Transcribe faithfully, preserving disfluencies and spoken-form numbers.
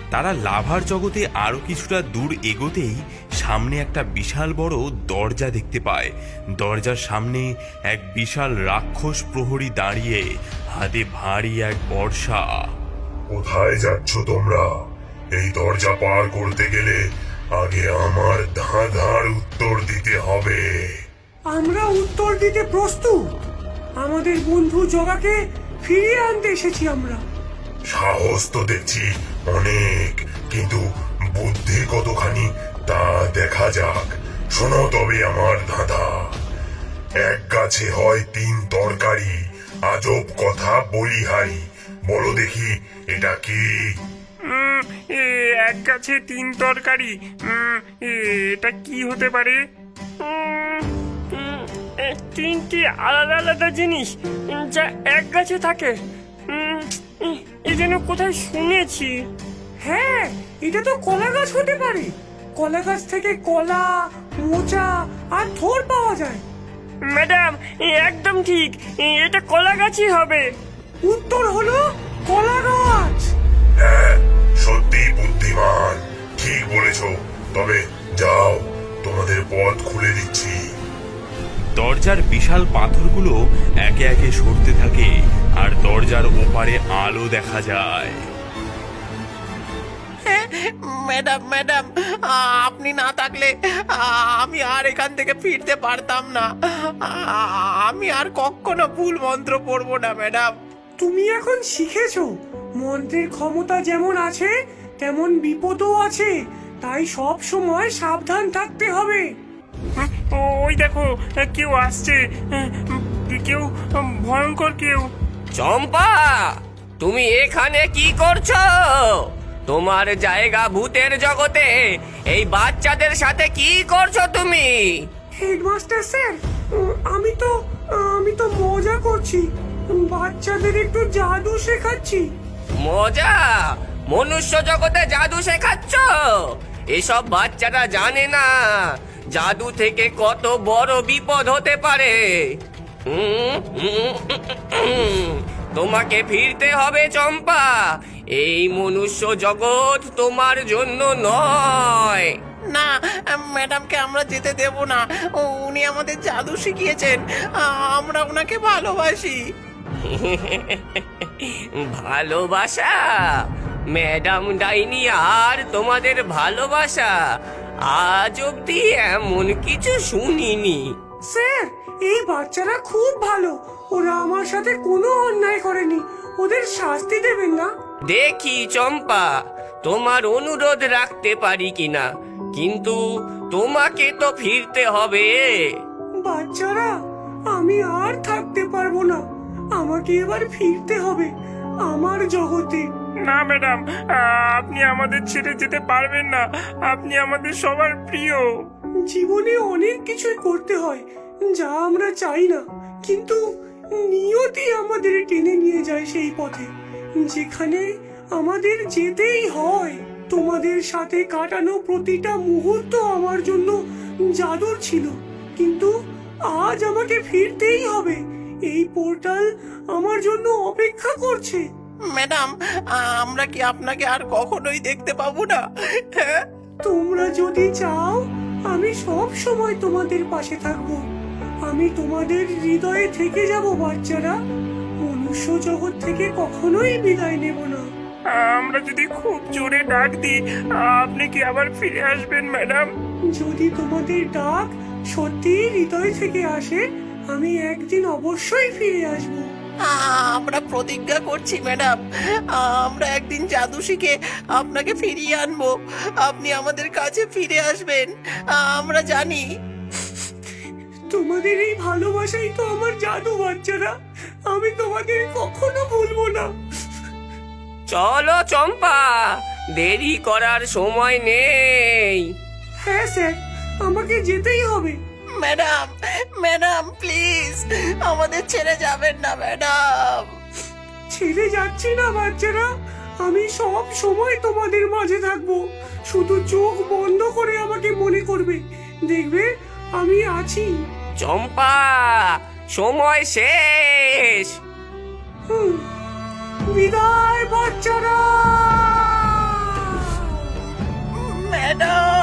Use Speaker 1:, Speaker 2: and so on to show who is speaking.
Speaker 1: তারা লাভার জগতে আরো কিছুটা দূর এগোতেই সামনে একটা বিশাল বড় দরজা দেখতে পায়। দরজার সামনে এক বিশাল রাক্ষস প্রহরী দাঁড়িয়ে, হাতে ভারী এক বর্শা।
Speaker 2: কোথায় যাচ্ছ তোমরা? এই দরজা পার করতে গেলে আগে আমার ধাঁধার উত্তর দিতে হবে।
Speaker 3: আমরা উত্তর দিতে প্রস্তুত। আমাদের বন্ধু জগাকে ফিরিয়ে আনতে এসেছি আমরা।
Speaker 2: সাহস তো দেখছি অনেক, কিন্তু বুদ্ধি কতখানি তা দেখা যাক। শোনো তবে আমার ধাঁধা। এক গাছে হয় তিন তরকারি, আজব কথা বলিহারি। বলো দেখি এটা কি?
Speaker 4: উম, এ, এক গাছে তিন তরকারি। উম, এ, এটা কি হতে পারে? উম, উম, এ, তিনটি আলাদা আলাদা জিনিস উম, যা এক গাছে থাকে। উম, উম, এ যেন কোথায় শুনেছি।
Speaker 3: হ্যাঁ, এটা তো কলা গাছ হতে পারে। কলা গাছ থেকে কলা, মোচা আর থোড় পাওয়া যায়।
Speaker 4: ম্যাডাম, এ একদম ঠিক, এ, এটা কলা গাছই হবে।
Speaker 3: উত্তর হলো কলা গাছ।
Speaker 2: হ্যাঁ, সত্যি বুদ্ধিমান, ঠিক বলেছ। তবে যাও, তোমাদের পথ খুলে দিচ্ছি।
Speaker 1: দরজার বিশাল পাথরগুলো একে একে সরতে থাকে, আর দরজার ওপারে আলো দেখা যায়।
Speaker 5: ম্যাডাম ম্যাডাম আপনি না থাকলে আমি আর এখান থেকে ফিরতে পারতাম না। আমি আর কখনো ভুল মন্ত্র পড়বো না ম্যাডাম।
Speaker 3: তুমি এখন শিখেছো মন্ত্রের ক্ষমতা যেমন আছে তেমন বিপদও আছে, তাই সব সময় সাবধান থাকতে হবে।
Speaker 4: ওই দেখো, কেউ আসছে, কেউ ভয়ঙ্কর কেউ।
Speaker 6: চম্পা, তুমি এখানে কি করছো? তোমার জায়গা ভূতের জগতে। এই বাচ্চাদের সাথে কি করছো তুমি?
Speaker 3: হেডমাস্টার স্যার, উম, আমি তো আমি তো মজা করছি। বাচ্চাদের একটু জাদু শেখাচ্ছি।
Speaker 6: মজা? মনুষ্য জগতে জাদু শেখাচ্ছ? এসব বাচ্চারা জানে না জাদু থেকে কত বড় বিপদ হতে পারে। হুম, হুম, হুম, তোমাকে ফিরতে হবে চম্পা। এই মনুষ্য জগৎ তোমার জন্য নয়।
Speaker 5: না, ম্যাডামকে আমরা যেতে দেব না। উনি আমাদের জাদু শিখিয়েছেন, আমরা ওনাকে ভালোবাসি।
Speaker 6: ভালোবাসা? ম্যাডাম ডাইনি আর তোমাদের ভালোবাসা? আজ অব্দি এমন কিছু শুনিনি।
Speaker 3: স্যার, এই বাচ্চারা খুব ভালো। ওরা আমার সাথে কোনো অন্যায় করেনি। ওদের শাস্তি দেবেন না?
Speaker 6: দেখি চম্পা, তোমার অনুরোধ রাখতে পারি কিনা, কিন্তু তোমাকে তো ফিরতে হবে।
Speaker 3: বাচ্চারা, আমি আর থাকতে পারবো না। আমাকে এবার ফিরতে হবে আমার জগতে।
Speaker 4: না ম্যাডাম, আপনি আমাদের ছেড়ে যেতে পারবেন না। আপনি আমাদের সবার প্রিয়।
Speaker 3: জীবনে অনেক কিছুই করতে হয় যা আমরা চাই না, কিন্তু নিয়তি আমাদের টেনে নিয়ে যায় সেই পথে যেখানে আমাদের যেতেই হয়। তোমাদের সাথে কাটানো প্রতিটা মুহূর্ত আমার জন্য জাদুর ছিল, কিন্তু আজ আমাকে ফিরতেই হবে। এই পোর্টাল আমার জন্য অপেক্ষা করছে।
Speaker 5: ম্যাডাম, আমরা কি আপনাকে আর কখনোই দেখতে পাবো না?
Speaker 3: তোমরা যদি চাও আমি সব সময় তোমাদের পাশে থাকবো। আমি তোমাদের হৃদয়ে থেকে যাব বাচ্চারা। মনুষ্য জগৎ থেকে কখনোই বিদায় নেব না।
Speaker 4: আমরা যদি খুব জোরে ডাক দিই, আপনি কি আবার ফিরে আসবেন ম্যাডাম?
Speaker 3: যদি তোমাদের ডাক সত্যি হৃদয় থেকে আসে, আমি একদিন অবশ্যই ফিরে আসবো।
Speaker 5: আমরা প্রতিজ্ঞা করছি ম্যাডাম, আমরা একদিন জাদু শিখে আপনাকে ফিরিয়ে আনবো। আপনি আমাদের কাছে ফিরে আসবেন, আমরা জানি।
Speaker 3: তোমাদের এই ভালোবাসাই তো আমার জাদু বাচ্চারা। আমি তোমাদের কখনো ভুলবো না।
Speaker 6: চলো চম্পা, দেরি করার সময় নেই।
Speaker 3: হ্যাঁ স্যার, আমাকে যেতেই হবে।
Speaker 5: ম্যাডাম ম্যাডাম প্লিজ আমাদের ছেড়ে যাবেন না ম্যাডাম।
Speaker 3: ছেড়ে যাচ্ছি না বাচ্চারা, আমি সব সময় তোমাদের মাঝে থাকবো। শুধু চোখ বন্ধ করে আমাকে মনে করবে, দেখবে আমি আছি।
Speaker 6: চম্পা, সময় শেষ।
Speaker 3: হুম, বিদায় বাচ্চারা।
Speaker 5: ম্যাডাম